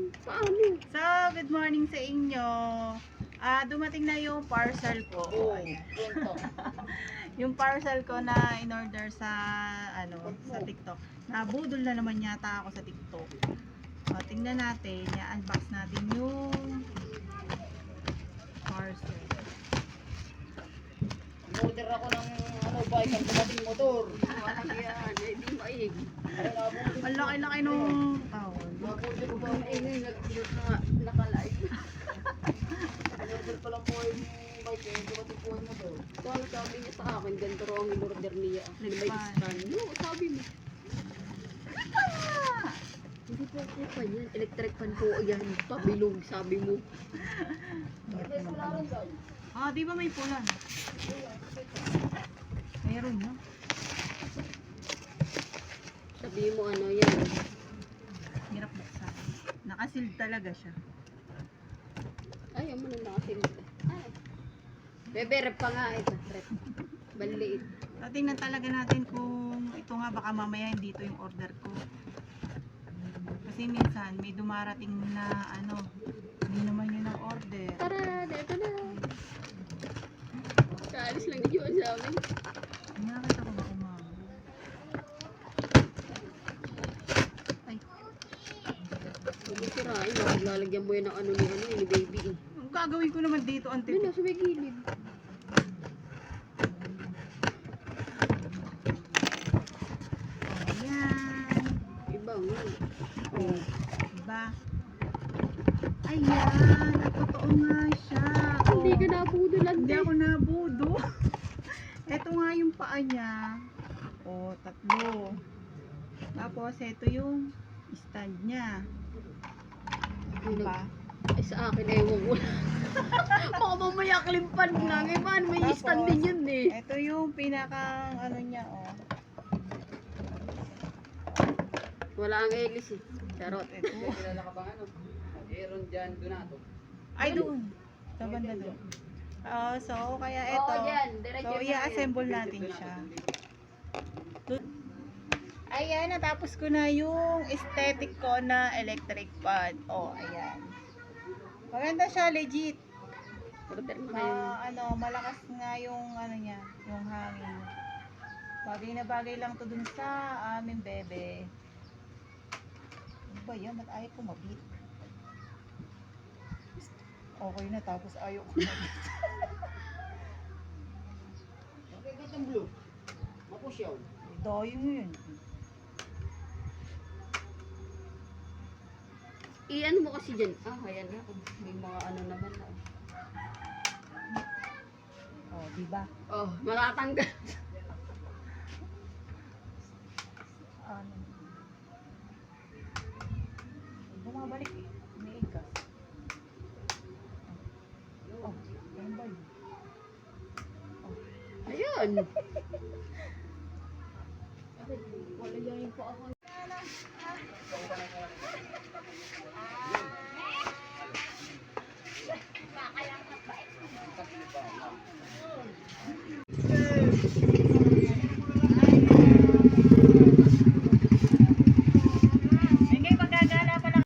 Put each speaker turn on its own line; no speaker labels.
Paano?
So, good morning sa inyo. Dumating na yung parcel ko.
Oo, yun to.
Yung parcel ko na in-order sa sa TikTok. Nabudol na naman yata ako sa TikTok. Tingnan natin, i-unbox natin yung parcel.
Order ako ng bike ang dumating motor.
Walang yan, hindi maig.
Ang laki-laki nung tawon.
Order ko ba?
Ngayon, naka-live.
Order ko lang po yung bike eh. Dumating po yung motor.
So, ano sabi niya sa akin, ganito raw ang in-order niya. May stand. No, sabi mo. Hindi po ako pa yan. Electric fan po yan. Pabilog, sabi mo.
Di ba may pula? Meron na.
Sabi mo ano yan.
Hirap buksan. Nakasil talaga siya.
Ayaw mo na nakasil. Ay. Bebe, rep pa nga ito. Rep. Baliit.
Tingnan talaga natin kung ito nga baka mamaya hindi ito yung order ko. Kasi minsan may dumarating na hindi naman yun ang order.
Tara, dito na. Kaalis lang yun sa amin.
Nakakita ko ba umama? Ay,
Hindi sirain. Lalagyan mo yan ng ano ni baby eh.
ang gagawin ko naman dito, ante?
Hindi na, sa may gilid.
Ayan.
Iba nga.
Oh, diba? Ayan, totoo nga siya.
Hindi ka nabudulan
Hindi
din.
ako nabudo. Ito nga yung paa niya. Tatlo. Tapos, ito yung stand niya. Diba?
Ay, sa akin, ewan ko. Baka mamaya klimpan lang. Eh, man, may
Tapos,
stand din yun eh.
Ito yung pinakang niya,
Wala ang Elis eh. Charot.
Ito.
Kilala ka bang Aaron Jan Donato.
Ay, doon. Sa banda doon. So, kaya ito.
Oo, dyan. Diretso
So,
na
i-assemble natin siya. Ayan, natapos ko na yung aesthetic ko na electric fan. Ayan. Maganda siya, legit.
Order mo kayo.
Malakas nga yung niya, yung hangin. Bagay na bagay lang to dun sa aming bebe. Ano ba yan? Ba't ayaw kumabit? Okay na, tapos ayaw kumabit.
Nakikita yung blue. Mapusyaw.
Dayong yun.
I-ano mo kasi dyan. Ayan na. May mga ano naman na.
Diba?
Matatanggal.
Bumabalik eh. May ikas. Ano ba yun?
Ayan. Wala yan po ako.